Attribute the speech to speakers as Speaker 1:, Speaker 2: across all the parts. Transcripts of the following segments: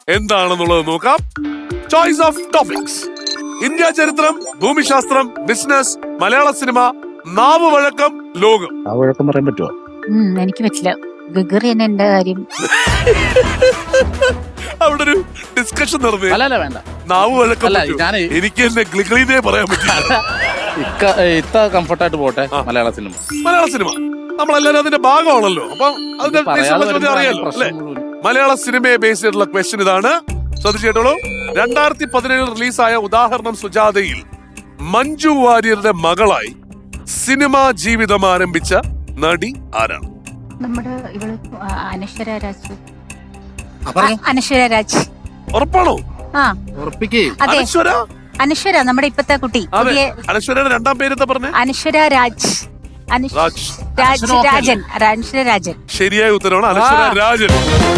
Speaker 1: എന്താണെന്നുള്ളത് നോക്കാം. Choice of topics: India ചരിത്രം, ഭൂമിശാസ്ത്രം, ബിസിനസ്, മലയാള സിനിമ, നാവ് വഴക്കം, ലോകം.
Speaker 2: ആ വഴക്കം പറയാൻ പറ്റുമോ?
Speaker 3: എനിക്ക് പറ്റില്ല. ഗഗറി തന്നെ എന്റെ കാര്യം.
Speaker 1: അവിടെ ഒരു ഡിസ്കഷൻ നടന്നു.
Speaker 4: അല്ല വേണ്ട,
Speaker 1: നാവ് വഴക്കം പറ്റുമോ?
Speaker 4: ഞാനേ
Speaker 1: എനിക്ക് എന്നെ ഗ്ലിഗ്ലിന്നേ പറയാൻ പറ്റില്ല.
Speaker 4: ഇത്ത കംഫർട്ടായിട്ട് പോട്ടെ. മലയാള സിനിമ
Speaker 1: നമ്മളെല്ലാരും അതിന്റെ ഭാഗമാണല്ലോ. അപ്പൊ അതിന്റെ അറിയാലോ അല്ലെ? മലയാള സിനിമയെ ബേസ് ചെയ്തിട്ടുള്ള ക്വസ്റ്റ്യൻ ഇതാണ്. ശ്രദ്ധിച്ചേട്ടോളൂ. 2017 റിലീസായ ഉദാഹരണം സുജാതയിൽ മഞ്ജു വാര്യരുടെ മകളായി സിനിമാ ജീവിതം ആരംഭിച്ച നടി ആരാണ്?
Speaker 3: നമ്മുടെ ഇവള് അനശ്വര രാജ്.
Speaker 4: പറഞ്ഞോ.
Speaker 3: അനശ്വര രാജ്.
Speaker 1: ഉറപ്പാണോ?
Speaker 3: ആ
Speaker 4: ഉറപ്പിക്കേ.
Speaker 3: അതെ,
Speaker 1: അനശ്വര.
Speaker 3: അനശ്വര നമ്മുടെ ഇപ്പത്തെ കുട്ടി.
Speaker 1: അതെ, അനശ്വരയുടെ രണ്ടാം പേരെന്താ പറഞ്ഞേ?
Speaker 3: അനശ്വര രാജ്.
Speaker 1: രാജ്.
Speaker 3: രാജൻ. അനശ്വര രാജൻ.
Speaker 1: ശരിയായ ഉത്തരവാണ് അനശ്വര രാജൻ.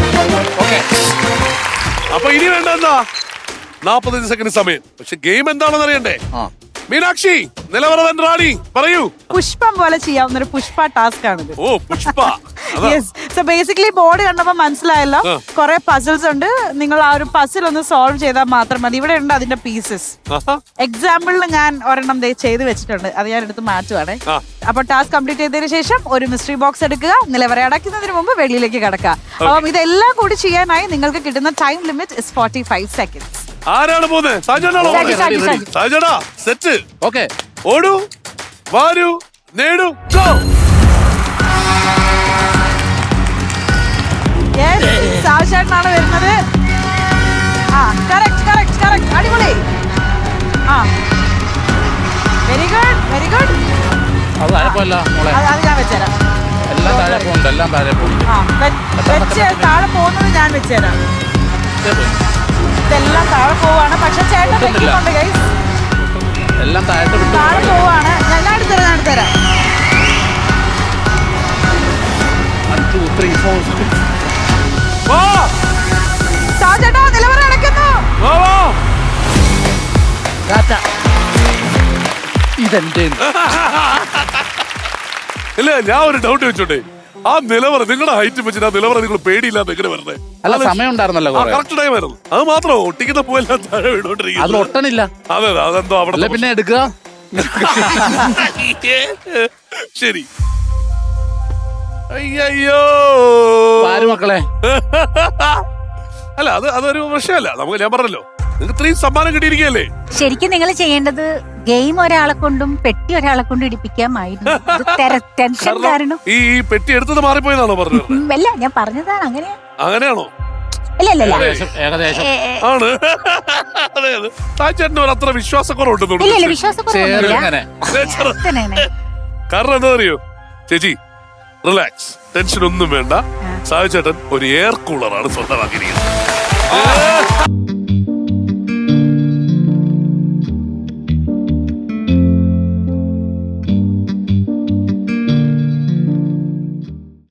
Speaker 1: അപ്പൊ ഇനി വേണ്ട എന്താ? 45 സെക്കൻഡ് സമയം. പക്ഷെ ഗെയിം എന്താണെന്ന് അറിയണ്ടേ? മീനാക്ഷി, നിലവറവൻ റാണി, പറയൂ.
Speaker 5: പുഷ്പം പോലെ ചെയ്യാവുന്ന ഒരു പുഷ്പ ടാസ്ക് ആണിത്.
Speaker 1: ഓ, Pushpa.
Speaker 5: Yes. So basically board കണ്ടപ്പോ മനസ്സിലായല്ലോ, കുറെ പസിൽസ് ഉണ്ട്. നിങ്ങൾ ആ ഒരു പസിൽ ഒന്ന് സോൾവ് ചെയ്താൽ മാത്രം മതി. ഇവിടെ ഉണ്ട് അതിന്റെ പീസസ്. എക്സാമ്പിളിൽ ഞാൻ ഒരെണ്ണം ചെയ്ത് വെച്ചിട്ടുണ്ട്. അത് ഞാൻ എടുത്ത് മാറ്റുവാണേ. അപ്പൊ ടാസ്ക് കംപ്ലീറ്റ് ചെയ്തതിനു ശേഷം ഒരു മിസ്റ്ററി ബോക്സ് എടുക്കുക. നിലവറ അടയ്ക്കുന്നതിന് മുമ്പ് വെളിയിലേക്ക് കടക്കുക. അപ്പം ഇതെല്ലാം കൂടി ചെയ്യാനായി നിങ്ങൾക്ക് കിട്ടുന്ന ടൈം ലിമിറ്റ് ഇസ് 45 seconds.
Speaker 1: ആരാണ് പോകുന്നത്? സാജനാണോ? സാജനാ, സെറ്റ്.
Speaker 4: ഓക്കെ,
Speaker 1: ഓടൂ, വാരൂ, നേടൂ, ഗോ.
Speaker 5: സാജനാണ് വരുന്നത്. ആ, കറക്റ്റ്. അടിപൊളി. ആ, വെരി ഗുഡ്.
Speaker 4: അത് താഴെപ്പോല്ല മോളെ.
Speaker 5: അത് ഞാൻ വെച്ചുതരാം.
Speaker 4: എല്ലാം താഴെ പോകുന്നുണ്ട്, എല്ലാം താഴെ പോകും.
Speaker 5: ആ, വെച്ച് താഴെ പോകുന്നത് ഞാൻ വെച്ചുതരാം. ഇതെല്ലാം താഴെ പോവാണ്. പക്ഷെ ചേട്ടൻ വെക്കുന്നുണ്ട് ഗൈസ്.
Speaker 4: എല്ലാം താഴെ
Speaker 5: താഴെ പോവാണ്. ഞാൻ എടുത്തരാം.
Speaker 4: 1 2 3 4
Speaker 5: സാജേട്ടാ, നിലവറ അടയ്ക്കുന്നു.
Speaker 4: ഇതെന്റെ.
Speaker 1: ഇല്ല, ഞാൻ ഒരു ഡൗട്ട് വെച്ചോട്ടെ. ആ നിലവറ, നിങ്ങളുടെ ഹൈറ്റ് വെച്ചിട്ട് ആ നിലവറ നിങ്ങൾ പേടിയില്ലാതെ എങ്ങനെ വരുന്നത്?
Speaker 4: അല്ല, സമയം ഉണ്ടായിരുന്നല്ലോ.
Speaker 1: കറക്റ്റ് ടൈം ആയിരുന്നു. അത് മാത്രമോ? ഒട്ടിക്കുന്ന പോയെല്ലാം താഴെ
Speaker 4: അത്
Speaker 1: വീണോണ്ടിരിക്കുന്നു.
Speaker 4: ഒട്ടണില്ല.
Speaker 1: അതെ, അതെന്തോ അവിടെ.
Speaker 4: പിന്നെ എടുക്കുക.
Speaker 1: ശരി. അയ്യോ
Speaker 4: മക്കളെ.
Speaker 1: അല്ല, അതൊരു പ്രശ്നമല്ല. നമുക്ക്, ഞാൻ പറഞ്ഞല്ലോ, നിങ്ങൾക്ക് 3 സമ്മാനം കിട്ടിയിരിക്കുകയല്ലേ.
Speaker 3: ശരിക്കും നിങ്ങൾ ചെയ്യേണ്ടത് ഗെയിം ഒരാളെ കൊണ്ടും പെട്ടി ഒരാളെ കൊണ്ടും ഇടിപ്പിക്കാമായിരുന്നു. ടെൻഷൻ കാരണം.
Speaker 1: ഈ പെട്ടി എടുത്തത് മാറിപ്പോയെന്നാണോ പറഞ്ഞത്?
Speaker 3: അല്ല, ഞാൻ പറഞ്ഞതാണ്.
Speaker 1: അങ്ങനെയാണോ?
Speaker 3: ഇല്ല.
Speaker 4: ഏകദേശം
Speaker 1: ആണ്. അതെ, താച്ചേട്ടന് ഒരു അത്ര വിശ്വാസക്കുറവുണ്ട്.
Speaker 3: ഇല്ല, വിശ്വാസക്കുറവൊന്നുമില്ല.
Speaker 1: കാരണം എന്താ അറിയോ ചേച്ചി? റിലാക്സ്, ടെൻഷൻ ഒന്നും വേണ്ട. സായി ചേട്ടൻ ഒരു എയർ കൂളറാണ് സ്വന്തമാക്കിയിരിക്കുന്നത്.